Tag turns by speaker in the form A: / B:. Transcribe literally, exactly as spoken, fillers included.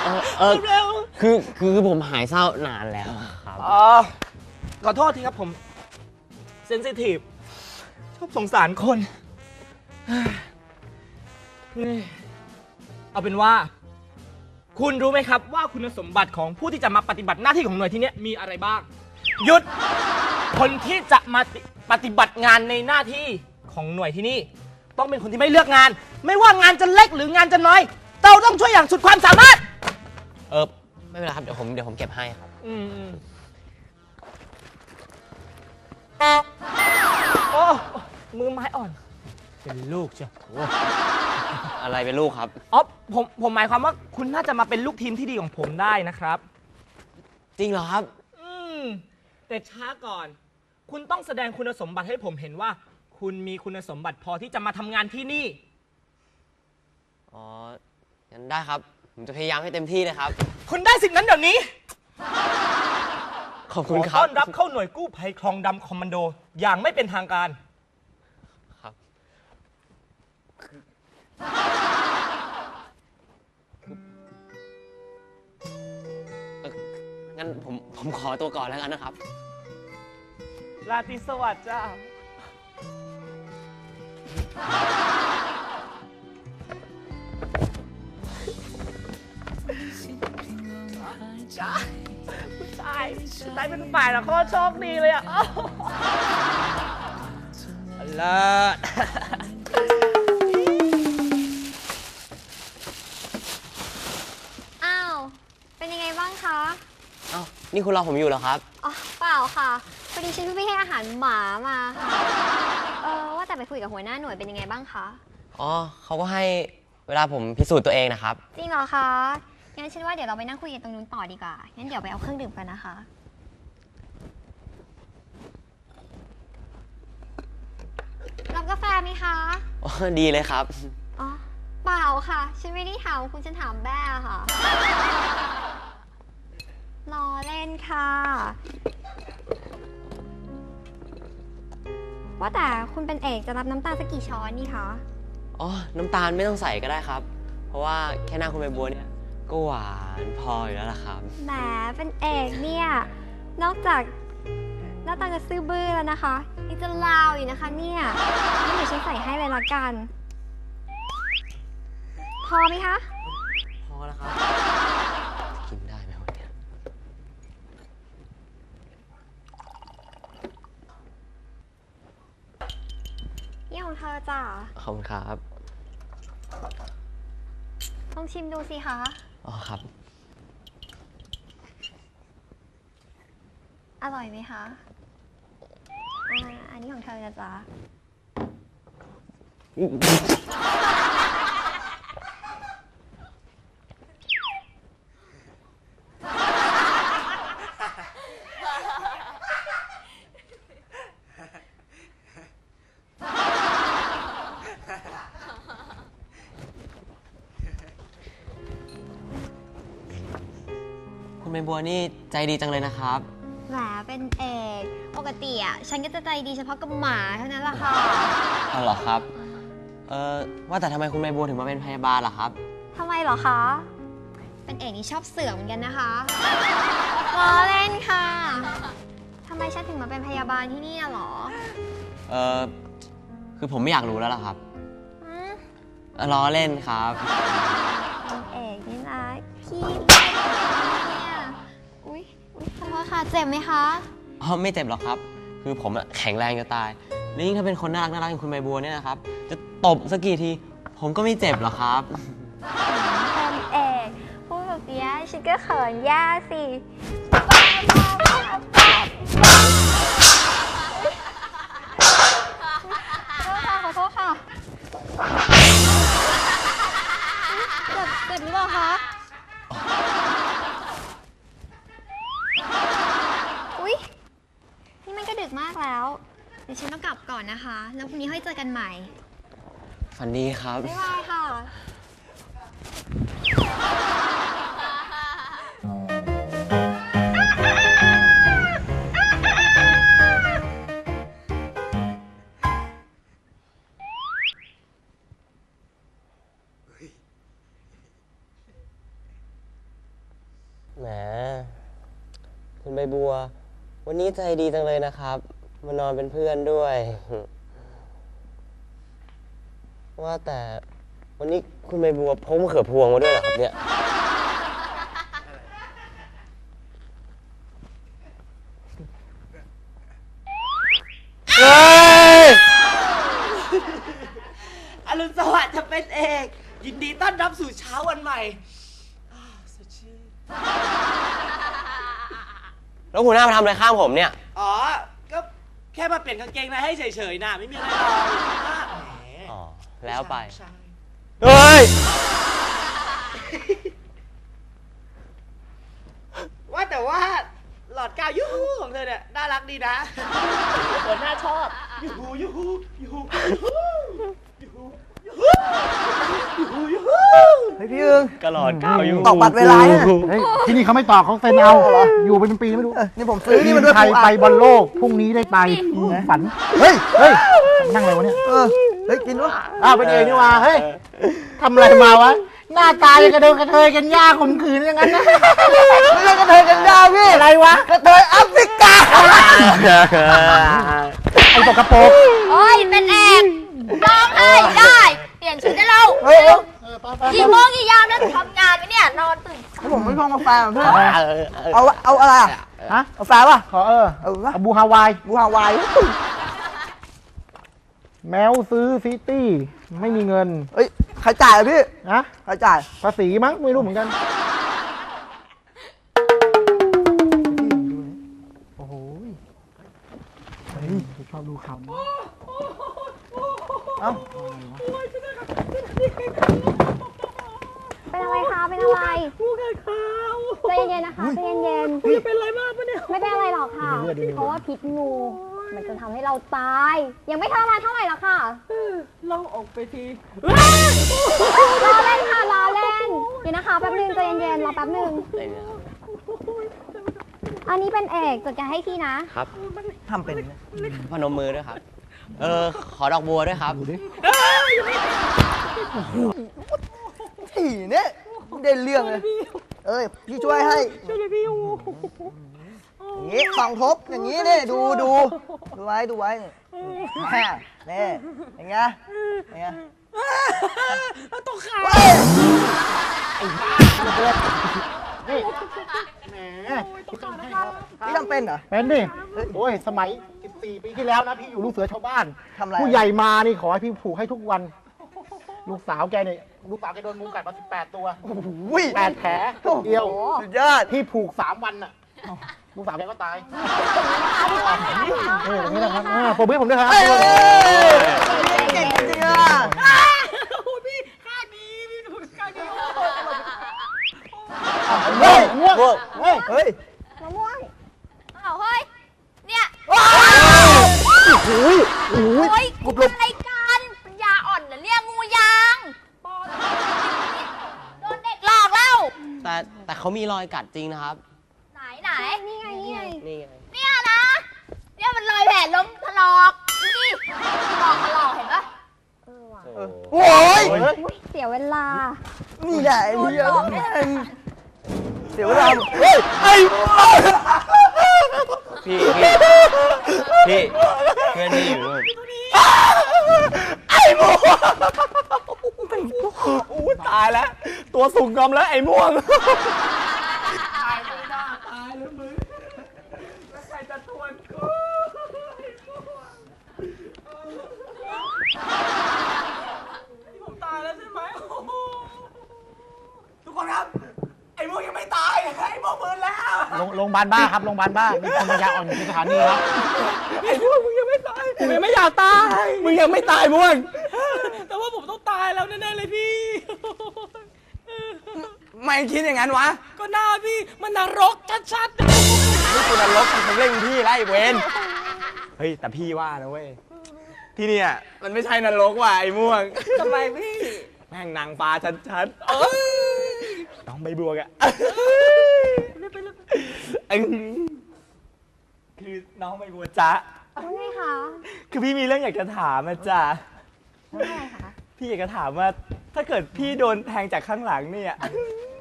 A: เออเออเร็วคือคือผมหายเศร้านานแล้วครับ
B: อ๋อขอโทษทีครับผมเซนซิทีฟชอบสงสารคนเอาเป็นว่าคุณรู้ไหมครับว่าคุณสมบัติของผู้ที่จะมาปฏิบัติหน้าที่ของหน่วยที่นี้มีอะไรบ้างหยุดคนที่จะมาปฏิบัติงานในหน้าที่ของหน่วยที่นี่ต้องเป็นคนที่ไม่เลือกงานไม่ว่างานจะเล็กหรืองานจะน้อยเราต้องช่วยอย่างสุดความสามารถ
A: เออไม่เป็นไรครับเดี๋ยวผมเดี๋ยวผมเก็บให้ครับ
B: อืมโอ้มือไม้อ่อนเป็นลูกจ้ะ
A: อะไรเป็นลูกครับ
B: อ๋อผมผมหมายความว่าคุณน่าจะมาเป็นลูกทีมที่ดีของผมได้นะครับ
A: จริงเหรอครับ
B: อืมแต่ช้าก่อนคุณต้องแสดงคุณสมบัติให้ผมเห็นว่าคุณมีคุณสมบัติพอที่จะมาทำงานที่นี่
A: อ๋องั้นได้ครับผมจะพยายามให้เต็มที่เลยครับ
B: คุณได้สิ่งนั้นเดี๋ยวนี้
A: ขอบคุณครับ
B: ต้อนรับเข้าหน่วยกู้ภัยคลองดำคอมมานโดอย่างไม่เป็นทางการ
A: ครับงั้นผมผมขอตัวก่อนแล้วกันนะครับ
B: ราตรีสวัสดิ์จ้าจ้าผู้ชายผู้ชายเป็นฝ่ายแล้วโคตรโชคดีเลยอ่ะเลิศ
C: อ้าวเป็นยังไงบ้างคะ
A: อ้าวนี่คุณรอผมอยู่เหรอครับ
C: อ๋อเปล่าค่ะพอดีฉันเพิ่งไปให้อาหารหมามาค่ะเออว่าแต่ไปคุยกับหัวหน้าหน่วยเป็นยังไงบ้างคะ
A: อ๋อเขาก็ให้เวลาผมพิสูจน์ตัวเองนะครับ
C: จริงเหรอคะงั้นฉันว่าเดี๋ยวเราไปนั่งคุยกันตรงนู้นต่อดีกว่างั้นเดี๋ยวไปเอาเครื่องดื่มกันนะคะรับกาแฟไหมคะ
A: อ๋อดีเลยครับ
C: อ๋อเปล่าค่ะฉันไม่ได้ถามคุณฉันถามแบ้ค่ะล้อเล่นค่ะว่าแต่คุณเป็นเอกจะรับน้ำตาลสักกี่ช้อนนี่คะ
A: อ๋อน้ำตาลไม่ต้องใส่ก็ได้ครับเพราะว่าแค่หน้าคุณใบบัวเนี่ยก็หวานพออยู่แล้วล่ะครับ
C: แหมเป็นเอกเนี่ยนอกจากหน้าตาจะซื่อบื้อแล้วนะคะยังจะลาวอยู่นะคะเนี่ยนี่เดี๋ยวฉันใส่ให้เลยละกันพอไหมคะ
A: พอแล้วครับกินได้ไหมวันนี้
C: นี่ของเธอจ้ะ
A: ขอบคุณครับ
C: ลองชิมดูสิคะ
A: อ๋อครับ
C: อร่อยไหมคะอ่าอันนี้ของเธอนะจ๊ะ
A: คุณใบบัวนี่ใจดีจังเลยนะครับ
C: แหมเป็นเอกปกติอ่ะฉันก็จะใจดีเฉพาะกับหมาเท่านั้นแหละค่ะ
A: อ๋อเหรอครับเออว่าแต่ทำไมคุณใบบัวถึงมาเป็นพยาบาลล่ะครับ
C: ทำไมเหรอคะเป็นเอกนี่ชอบเสือกเหมือนกันนะคะล้อเล่นค่ะทำไมฉันถึงมาเป็นพยาบาลที่นี่หรอ
A: เออคือผมไม่อยากรู้แล้วล่ะครับล้อเล่นครับ
C: เป็นเอกนี่นะพี่อุ๊ยอุ๊ยขอโทษค่ะเจ็บไหมคะ
A: อ๋อไม่เจ็บหรอกครับคือผมแข็งแรงจะตายแล้วยิ่งถ้าเป็นคนน่ารักน่ารักอย่างคุณใบบัวเนี่ยนะครับจะตบสักกี่ทีผมก็ไม่เจ็บหรอกครับ
C: เป็นเอกพูดแบบนี้ฉันก็เขินแย่สิขอโทษค่ะเจ็บเจ็บหรือเปล่าคะอุ๊ยนี่มันก็ดึกมากแล้วเดี๋ยวฉันต้องกลับก่อนนะคะแล้วพรุ่งนี้ค่อยเจอกันใหม่
A: ฝันดีครับ
C: บ๊ายบายค่ะ
A: แหมคุณใบบัว วันนี้ใจดีจังเลยนะครับ มานอนเป็นเพื่อนด้วย ว่าแต่วันนี้คุณใบบัวพกมะเขือพวงมาด้วยเหรอครับเนี่ยเฮ้ย
B: อรุณสวัสดิ์จะเป็นเอกยินดีต้อนรับสู่เช้าวันใหม่อ้าวสดชื่น
A: แล้วหัวหน้ามาทำอะไรข้างผมเนี่ย
B: อ๋อ ก็แค่มาเปลี่ยนกางเกงในให้เฉยๆนะไม่มีอะไรหรอกแหม
A: อ๋อ แล้วไป
B: ใช่
A: เฮ้ย
B: ว่าแต่ว่าหลอดกาวยูฮูของเธอเนี่ยน่ารักดีนะหัวหน้าชอบยูฮูยูฮูยูฮูยูฮูยูฮูยูฮูยูฮู
D: เฮ้ยพี่อึง
A: กระหลอดก้าวอยู่
D: ตอกบัตรเวลาเนี่ย
E: เฮ้ยที่นี่เขาไม่ตอกเขาเซ็นเอาอยู่เป็นปีไม่รู้
D: เออนี่ผมซื้อนี่มันด้วย
E: ไทย
D: ปูอัด
E: ไปบอลโลกพรุ่งนี้ได้ไปฝันเฮ้ยเฮ้ยนั่งอะไรวะเนี่ย
D: เออเฮ้ยกินวะ
E: อ้าวเป็นเองนี่ว่าเฮ้ยทำอะไรมาวะหน้าตายังกระเดินกระเทยกันย่าข่มขืนอย่างนั้นนะ
D: ไม่ใช่กระเทยกันยาพี่
E: อะไรวะ
D: กระเทยแอฟริกา
E: ไอ้ตกกระโปรง
C: โอ้ยเป็นเอกร้องไห้ได้ เปลี่ยนชุดได้แล้ว
D: เฮ้ย
C: กี่โมงกี่ยามแล้วทำงานไหมเนี่ย นอนตื่น
D: แล้วผมไม่ชอบกาแฟเหรอเพื่อนเอาเอาอะไรอ่ะ
E: ฮะ
D: กาแฟป่ะ
E: ขอเออ
D: เอาวะ
E: เอาบูฮาวาย
D: บูฮาวาย
E: แมวซื้อซิตี้ไม่มีเงิน
D: เฮ้ยใครจ่ายอ่ะพี่
E: นะ
D: ใครจ่าย
E: ภาษีมั้งไม่รู้เหมือนกันโอ้โหเฮ้ยชอบดูคำ
D: เอ้า
C: เป็นอะไรคะ เป็นอะไร
B: ผู้งานข่าว
C: ใจเย็นๆนะคะใจเย็น
B: จะเป็นอะไรมากปะเนี่ย
C: ๆไม่เป็นอะไรหรอกค่ะ เพราะว่าพิษงู มันจะทำให้เราตาย ยังไม่ทรมานเท่าไหร่หรอกค่ะ
B: เราออกไปที
C: รอเล่นค่ะ รอเล่น เดี๋ยวนะคะแป๊บนึงใจเย็นๆ รอแป๊บนึง อันนี้เป็นเอกจัดการให้พี่นะ
A: ครับ
D: ทำเป็นไหม
A: พนมมือด้วยครับ เออ ขอดอกบัวด้วยครับ
E: ดูดิ
D: ถี่เนี่ยได้เรื่องเลย เอ้ยพี่ช่วยให้
B: ช่วยเลยพี่โอ้
D: อย่างงี้สองทบอย่างงี้นี่ดูดูดูไว้ดูไว้แม่นี่อย่างเงี้ยอย่างเงี้ย
B: ตกขา
E: แหม
D: พี่ทำเป็นเหรอ
E: เป็นดิโอ้ยสมัยสิบสี่ปีที่แล้วนะพี่อยู่ลูกเสือชาวบ้าน
D: ทำอะไร
E: ผู้ใหญ่มานี่ขอให้พี่ผูกให้ทุกวัน ลูกสาวแกเนี่ยลูกสาวแกโดนงูกัดมาสิบแปดตัว
D: อุ้ย
E: แปดแผลเดียว
D: สุดยอด
E: พี่ผูกสามวันน่ะลูกสาวแกก็ตายเอออย่างนี้นะครับอ่าผมให้ผมด้วยครับ
D: เอ้ยเก่งจริงๆอ่ะ
B: โอ้พี่ข้าดีพี่หนูข้าดี
E: เฮ้ยง่วงเฮ้ย
D: เฮ้ย
C: มะม่วงอ้าวเฮ้ย เนี่ย
D: โอ้ยโอ้ย
C: โอ้ยกูเป็นอะไรกันปัญญาอ่อนเหรอเนี่ยงูยางโดนเด็กหลอกแล้ว
A: แต่แต่เขามีรอยกัดจริงนะครับ
C: ไหนไหนนี่ไงนี่ไง
A: นี่ไง
C: เนี่ยนะ เนี่ยมันรอยแผลล้มถลอกนี่ถลอกถลอกเห็นปะเออว่ะ
A: โอ้
D: โอ้ย
C: อุ๊ยเสียเวลา
D: นี่แหละไอ้เหี้ย
C: โดนหลอกแน่
D: เสียเวลาเฮ้ยไอ้
A: พี่พี่พี่เพื่อนพี่อยู่นู่น
B: ไอ้ม่วงอู้ตายแล้ว ตัวสูงกอมแล้วไอ้ม่วงตายไม่น่าตายเลยมึงแล้วใครจะทวนกูผมตายแล้วใช่ไหมโอ้โหทุกคนครับ ไอ้ม่วงยังไม่ตายไอ้ม่วงฟื้นแล้ว
E: โรงโรงพยาบาลบ้าครับโรงพยาบาลบ้ามีคนปัญญาอ่อนอยู่ที่สถานีครับ
B: ไอ้ม่วงมึงยังไม่ตายผมยังไม่อยากตาย มึงยังไม่ตายม่วง แต่ว่าผมต้องตายแล้วแน่ๆเลยพี่
D: ไม่คิดอย่างนั้นวะ
B: ก็หน้าพี่มันนรกชัดๆ
A: นี่คุณนรกมันเร่งพี่ไล่เวน
F: เฮ้ย แต่พี่ว่านะเว้ย ที่เนี่ยมันไม่ใช่นรกว่ะไอ้ม่วง
B: ทำไมพี่
F: แม่งนางฟ้าชัดๆเอ้ยน้องใบบัวกะเอ้ยคือน้องใบบัวจ๊ะ
C: ว่าไงคะ
F: คือพี่มีเรื่องอยากจะถามอะจ๊ะ
C: ว่าอะไรคะ
F: พี่อยากจะถามว่าถ้าเกิดพี่โดนแทงจากข้างหลังเนี่ย